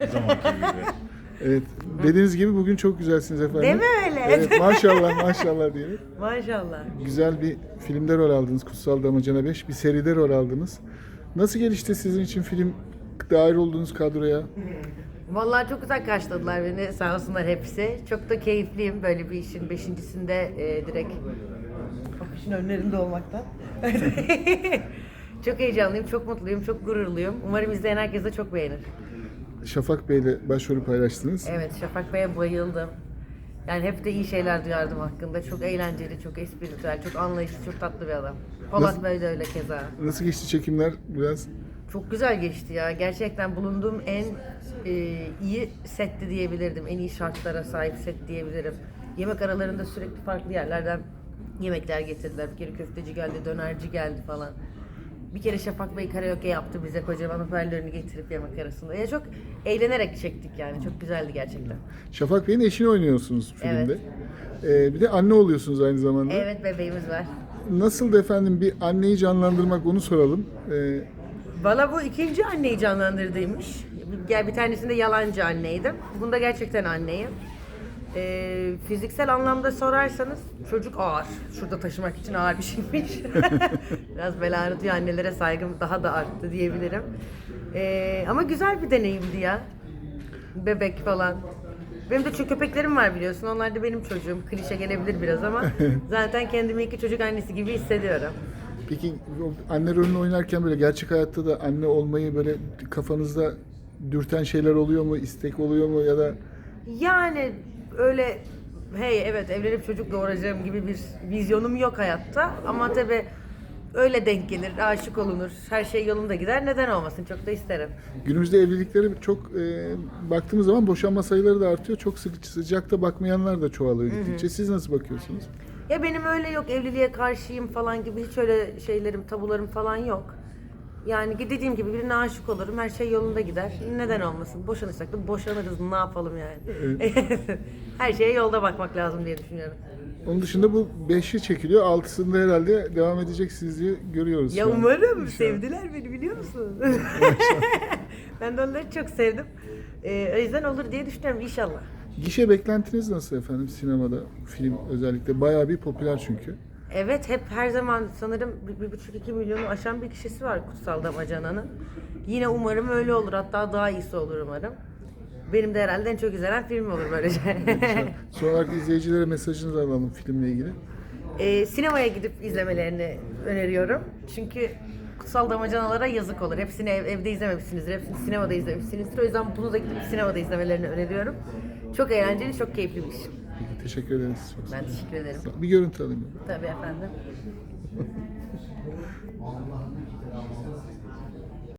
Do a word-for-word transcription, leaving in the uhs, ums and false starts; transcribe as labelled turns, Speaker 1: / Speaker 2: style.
Speaker 1: Zamanki gibi.
Speaker 2: Evet. Dediğiniz gibi bugün çok güzelsiniz efendim.
Speaker 3: Değil mi öyle?
Speaker 2: Evet, maşallah maşallah diyelim.
Speaker 3: Maşallah.
Speaker 2: Güzel bir filmde rol aldınız. Kutsal Damacana beş. Bir seride rol aldınız. Nasıl gelişti sizin için film, dahil olduğunuz kadroya?
Speaker 3: Vallahi çok güzel karşıladılar beni, sağ olsunlar hepsi. Çok da keyifliyim böyle bir işin beşincisinde e, direkt afişin önlerinde olmaktan. Çok heyecanlıyım, çok mutluyum, çok gururluyum. Umarım izleyen herkes de çok beğenir.
Speaker 2: Şafak Bey'le başrolü paylaştınız.
Speaker 3: Evet, Şafak Bey'e bayıldım. Yani hep de iyi şeyler duyardım hakkında. Çok eğlenceli, çok espritüel, çok anlayışlı, çok tatlı bir adam. Polat
Speaker 2: Nasıl-
Speaker 3: Bey de öyle keza.
Speaker 2: Nasıl geçti çekimler biraz?
Speaker 3: Çok güzel geçti ya. Gerçekten bulunduğum en e, iyi setti diyebilirdim. En iyi şartlara sahip set diyebilirim. Yemek aralarında sürekli farklı yerlerden yemekler getirdiler. Bir kere köfteci geldi, dönerci geldi falan. Bir kere Şafak Bey karaoke yaptı bize, kocaman hoparlörünü getirip yemek arasında. Ya çok eğlenerek çektik yani. Çok güzeldi gerçekten.
Speaker 2: Şafak Bey'in eşini oynuyorsunuz filmde.
Speaker 3: Evet.
Speaker 2: Ee, bir de anne oluyorsunuz aynı zamanda.
Speaker 3: Evet, bebeğimiz var.
Speaker 2: Nasıl efendim bir anneyi canlandırmak, onu soralım. Ee,
Speaker 3: Valla bu ikinci anneyi canlandırdıymış. Gel bir tanesinde yalancı anneydim. Bunda gerçekten anneyim. Ee, fiziksel anlamda sorarsanız çocuk ağır. Şurada taşımak için ağır bir şeymiş. Biraz bel ağrıtıyor, annelere saygım daha da arttı diyebilirim. Ee, ama güzel bir deneyimdi ya. Bebek falan. Benim de çok köpeklerim var biliyorsun. Onlar da benim çocuğum. Klişe gelebilir biraz ama zaten kendimi iki çocuk annesi gibi hissediyorum.
Speaker 2: peki o anne rolünü oynarken böyle gerçek hayatta da anne olmayı böyle kafanızda dürten şeyler oluyor mu? İstek oluyor mu ya da
Speaker 3: Yani öyle hey evet evlenip çocuk doğuracağım gibi bir vizyonum yok hayatta ama tabii öyle denk gelir, aşık olunur, her şey yolunda gider, neden olmasın, çok da isterim.
Speaker 2: günümüzde evlilikleri çok e, baktığımız zaman boşanma sayıları da artıyor. Çok sık sıcakta bakmayanlar da çoğalıyor gittikçe. Siz nasıl bakıyorsunuz?
Speaker 3: Ya benim öyle yok, evliliğe karşıyım falan gibi hiç öyle şeylerim, tabularım falan yok. Yani dediğim gibi birine aşık olurum, her şey yolunda gider. Neden olmasın? Boşanırsak da boşanırız, ne yapalım yani? Her şeye yolda bakmak lazım diye düşünüyorum.
Speaker 2: Onun dışında bu beşi çekiliyor. Altısında herhalde devam edeceksiniz diye görüyoruz.
Speaker 3: Ya
Speaker 2: şu an.
Speaker 3: umarım.
Speaker 2: İnşallah.
Speaker 3: Sevdiler beni, biliyor musun? Ben de onları çok sevdim. Ee, o yüzden olur diye düşünüyorum inşallah.
Speaker 2: Gişe beklentiniz nasıl efendim sinemada? Film özellikle bayağı bir popüler çünkü.
Speaker 3: Evet, hep her zaman sanırım bir, bir buçuk iki milyonu aşan bir kişisi var Kutsal Damacana'nın. Yine umarım öyle olur. Hatta daha iyisi olur umarım. Benim de herhalde en çok izlenen film olur böylece.
Speaker 2: Son olarak izleyicilere mesajınızı alalım filmle ilgili.
Speaker 3: Ee, sinemaya gidip izlemelerini öneriyorum. Çünkü Kutsal Damacanalara yazık olur. Hepsini ev, evde izlememişsinizdir, hepsini sinemada izlemişsinizdir. O yüzden bunu da gidip sinemada izlemelerini öneriyorum. Çok eğlenceli, çok keyifli bir iş.
Speaker 2: Peki, teşekkür ederiz. Çok sağ
Speaker 3: Ben
Speaker 2: olun.
Speaker 3: teşekkür ederim.
Speaker 2: Bir görüntü alayım.
Speaker 3: Tabii efendim.